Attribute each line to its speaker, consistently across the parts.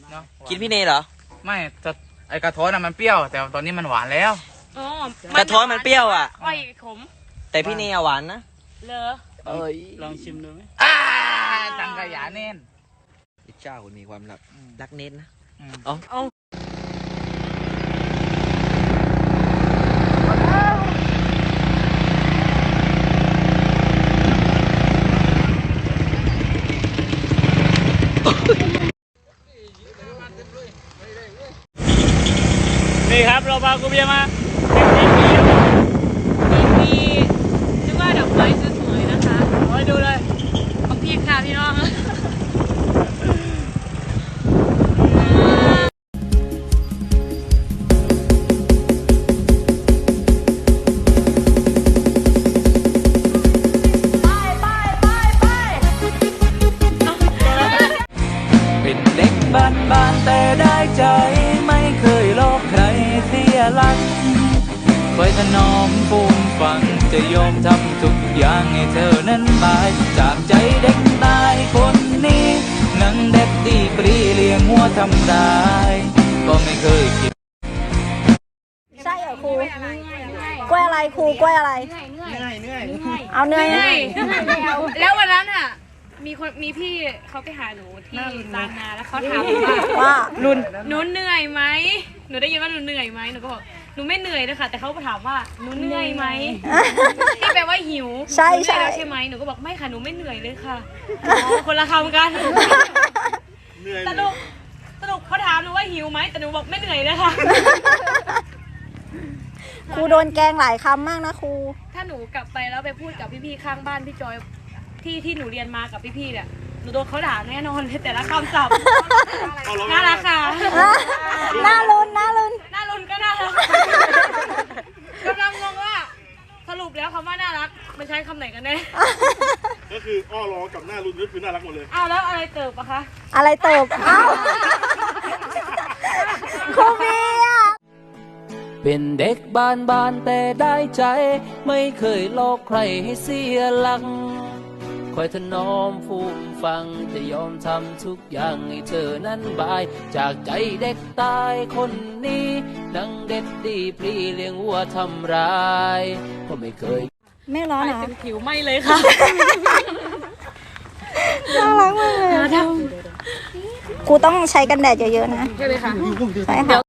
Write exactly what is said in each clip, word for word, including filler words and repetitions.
Speaker 1: เนาะ
Speaker 2: กินพี่เนยเหรอ
Speaker 1: ไม่จะไอกระท้อนน่ะมันเปรี้ยวแต่ตอนนี้มันหวานแล้ว
Speaker 3: อ๋อก
Speaker 2: ระท้อนมันเปรี้ยวอ่ะ
Speaker 3: อ้อยขม
Speaker 2: แต่พี่เนยหวานนะ
Speaker 3: เลอ
Speaker 2: เอ้ย
Speaker 4: ลองชิมดูไหม
Speaker 1: อ่าจังกะหยาเน้น
Speaker 2: เจ้าคนมีความรักรักเน้นนะ
Speaker 1: อ๋อ
Speaker 3: เอา
Speaker 4: นี่ครับเราพากูเบียมา
Speaker 3: มีนึกว่าดอกไม้สวยๆนะคะโอ้ยดูเลยบักพีค่ะพี่น้อง
Speaker 5: เป็นเด็กบ้านบ้านแต่ได้ใจไม่เคยลอกใครเสียหลักคอยถนอมฟูมฟังจะยอมทำทุกอย่างให้เธอนั้นบายจากใจเด็กตายคนนี้นังเด็กดีปรีเลี้ยงหัวทำร้ายก็ไม่เคยคิด
Speaker 6: ใช่เหรอครูกล้วยอะไรครูกล้วยอะไรเอาเนื่อย
Speaker 3: แล้ววันนั้นอ่ะมีคนมีพี่เขาไปหาหนูที่บางนาแล้วเขาถามว่า
Speaker 6: ว่า
Speaker 3: ลุนหนูเหนื่อยไหมหนูได้ยินว่าหนูเหนื่อยไหมหนูก็บอกหนูไม่เหนื่อยเลยค่ะแต่เขาถามว่าหนูเหนื่อยไหมที่แปลว่าหิว
Speaker 6: ใช่ใช่
Speaker 3: แล้วใช่ไหมหนูก็บอกไม่ค่ะหนูไม่เหนื่อยเลยค่ะคนละคำกันสรุปสรุปเขาถามหนูว่าหิวไหมแต่หนูบอกไม่เหนื่อยเลยค่ะ
Speaker 6: ครูโดนแกงหลายคำมากนะครู
Speaker 3: ถ้าหนูกลับไปแล้วไปพูดกับพี่ๆข้างบ้านพี่จอยที่ที่หนูเรียนมากับพี่ๆเนี่ยหนูโดนเขาด่าแน่นอนเลยแต่ละคำศัพท์น่ารักค่ะ
Speaker 6: น่าลุ้นน่าลุ้น
Speaker 3: น่าลุ้นก็น่ารักกำลังงงว่าสรุปแล้วคำว่าน่ารักมันใช้คำไหนกันแน่
Speaker 4: ก็คืออ้อร้องกับหน้ารุ่นก็คือน่ารักหมดเลย
Speaker 3: อ้าวแล้วอะไรเติบอะคะ
Speaker 6: อะไรเติบอ้าวครูเบีย
Speaker 5: เป็นเด็กบ้านบ้านแต่ได้ใจไม่เคยหลอกใครให้เสียหลักคอยถนอมฟูมฟังจะยอมทำทุกอย่างให้เธอนั้นบายจากใจเด็กตายคนนี้นังเด็ดดีปรีเลี้ยงวัวทำร้ายก็ไม่เคย
Speaker 6: ไม่ร้อนนะ
Speaker 3: ผิวไม่เลยค่ะ
Speaker 6: น่ารักมากเลยครูต้องใช้กันแดดเยอะๆนะ
Speaker 3: ใช่เลยค่ะ
Speaker 6: ใช่ค่ะ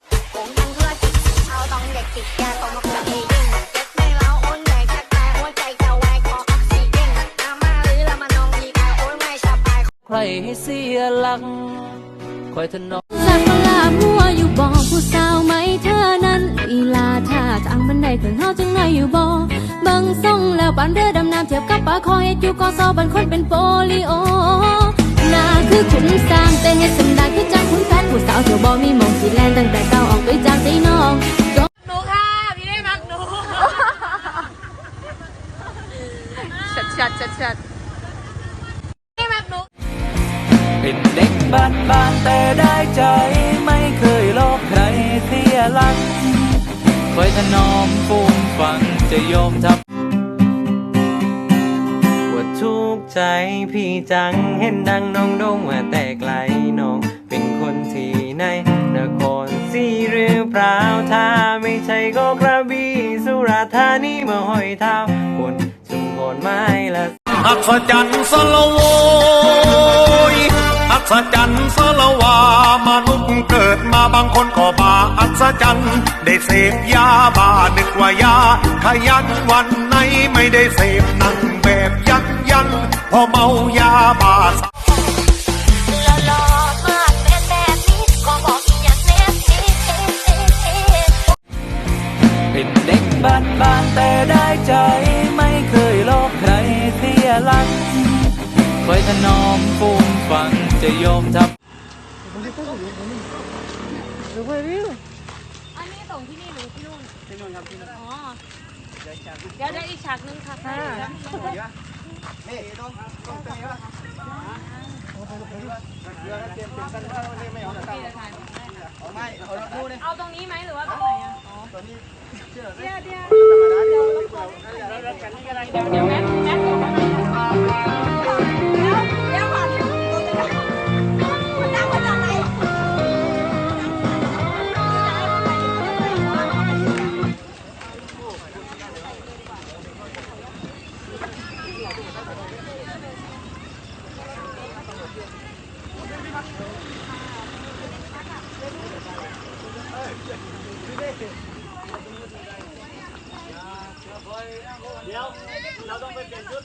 Speaker 5: ใครให้เสียหลักคอยถนอม
Speaker 7: จากเวลามัวอยู่บ่ผู้สาวไหมเธอนั้นลีลาท่าทางบันไดถึงเฮาจังไงอยู่บ่เบิ่งส่งแล้วปานเรือดำน้ำเทียบกับปลาคอยอยู่กอซอบันคนเป็นโปลิโอหน้าคือขุนสร้างแต่เฮ็ดสันดานคือจังขุนแฟนผู้สาวเที่ยวบ่มีมองสิแลนตั้งแต่เก่าออกไปจากใจน้อง
Speaker 3: หนูค่ะพี่ได้มักหนูชัดชัดชัดชัด
Speaker 5: เป็นเด็กบ้านบ้านแต่ได้ใจไม่เคยหลอกใครเสียหลักคอยถนอมฟูมฟังจะยอมทำว่าทุกใจพี่จังเห็นดังน้องดงว่าแต่ไกลน้องเป็นคนที่ไหนนครศรีหรือเปล่าถ้าไม่ใช่ก็กระบี่สุราษฎร์ธานีมาห้อยเท้าบนชุมพรไม้ละ
Speaker 8: อัศจรรย์สละโวอัศจรรย์สละวามนุษย์เกิดมาบางคนก็บาอัศจรรย์ได้เสพยาบ้านึกว่ายาขยันวันไหนไม่ได้เสพนั่งแบบยันยันพอเมายาบ้า
Speaker 5: เป็นเด็กบ้านบ้านแต่ได้ใจไม่เคยหลอกใครเสียหลักคอยถนอมฟูมฟังจะยอมทำ
Speaker 3: อันนี้ส่งที่นี่หรือที่นู่นที่นู่นครับที่นู่นอ๋อเดี๋ยวได้อีกฉากนึงค่ะนี่ต้องต้องเตะวะเอาตรงนี้ไหมหรือว่าตรงไหนอ่ะอ๋อตรงนี้เดี๋ยวเดี๋ยวเดี๋ยวเดี๋ยวเดี๋ยวแม็กแม็กอยู่ข้างในแล้วแล้วผ่านตรงนี้มันนั่งมาจากไหน
Speaker 9: เดี๋ยวเราต้องไปเปลี่ยนชุด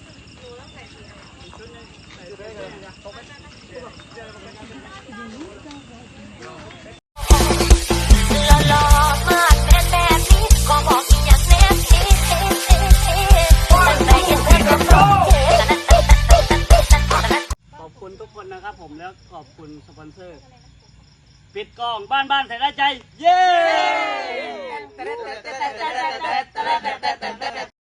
Speaker 9: ขอบคุณทุกคนนะครับผมแล้วขอบคุณสปอนเซอร์ ปิดกล้องบ้านบ้านใส่ได้ใจ เย้